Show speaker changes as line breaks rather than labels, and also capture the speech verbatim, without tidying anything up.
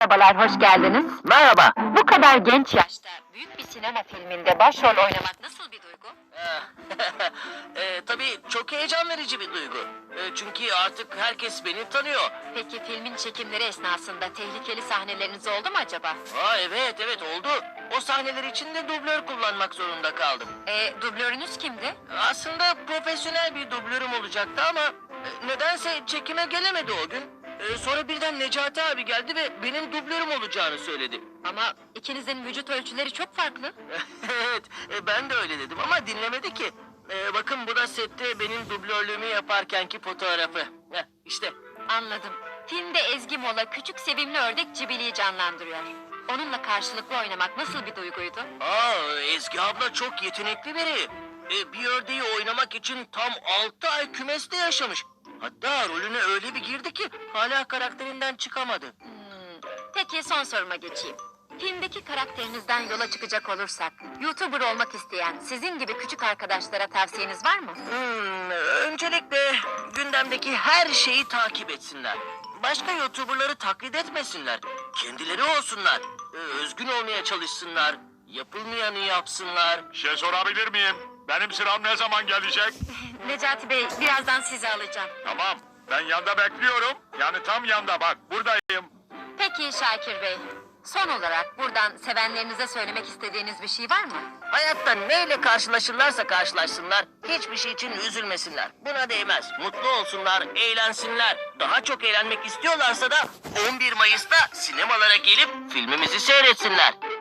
Merhabalar, hoş geldiniz.
Merhaba.
Bu kadar genç yaşta büyük bir sinema filminde başrol oynamak nasıl bir duygu?
e, tabii çok heyecan verici bir duygu. E, çünkü artık herkes beni tanıyor.
Peki filmin çekimleri esnasında tehlikeli sahneleriniz oldu mu acaba?
Aa, evet evet oldu. O sahneler için de dublör kullanmak zorunda kaldım.
E, dublörünüz kimdi?
Aslında profesyonel bir dublörüm olacaktı ama e, nedense çekime gelemedi o gün. E, sonra birden Necati abi geldi ve benim dublörüm olacağını söyledi.
Ama ikinizin vücut ölçüleri çok farklı.
Evet, e, ben de öyle dedim ama dinlemedi ki. E, bakın bu da sette benim dublörlüğümü yaparkenki fotoğrafı. Heh, işte.
Anladım. Filmde Ezgi Mola küçük sevimli ördek Cibili'yi canlandırıyor. Onunla karşılıklı oynamak nasıl bir duyguydu?
Aa, Ezgi abla çok yetenekli biri. E, bir ördeği oynamak için tam altı ay kümeste yaşamış. Hatta rolüne öyle bir girdi ki hala karakterinden çıkamadı.
Hmm, Peki son soruma geçeyim. Filmdeki karakterinizden yola çıkacak olursak, YouTuber olmak isteyen sizin gibi küçük arkadaşlara tavsiyeniz var mı?
Hmm, öncelikle gündemdeki her şeyi takip etsinler. Başka YouTuber'ları taklit etmesinler. Kendileri olsunlar. Ee, özgün olmaya çalışsınlar. Yapılmayanı yapsınlar.
Şey sorabilir miyim? Benim sıram ne zaman gelecek?
Necati Bey, birazdan sizi alacağım.
Tamam, ben yanda bekliyorum. Yani tam yanda bak, buradayım.
Peki Şakir Bey, son olarak buradan sevenlerinize söylemek istediğiniz bir şey var mı?
Hayatta neyle karşılaşırlarsa karşılaşsınlar, hiçbir şey için üzülmesinler. Buna değmez. Mutlu olsunlar, eğlensinler. Daha çok eğlenmek istiyorlarsa da on bir Mayıs'ta sinemalara gelip filmimizi seyretsinler.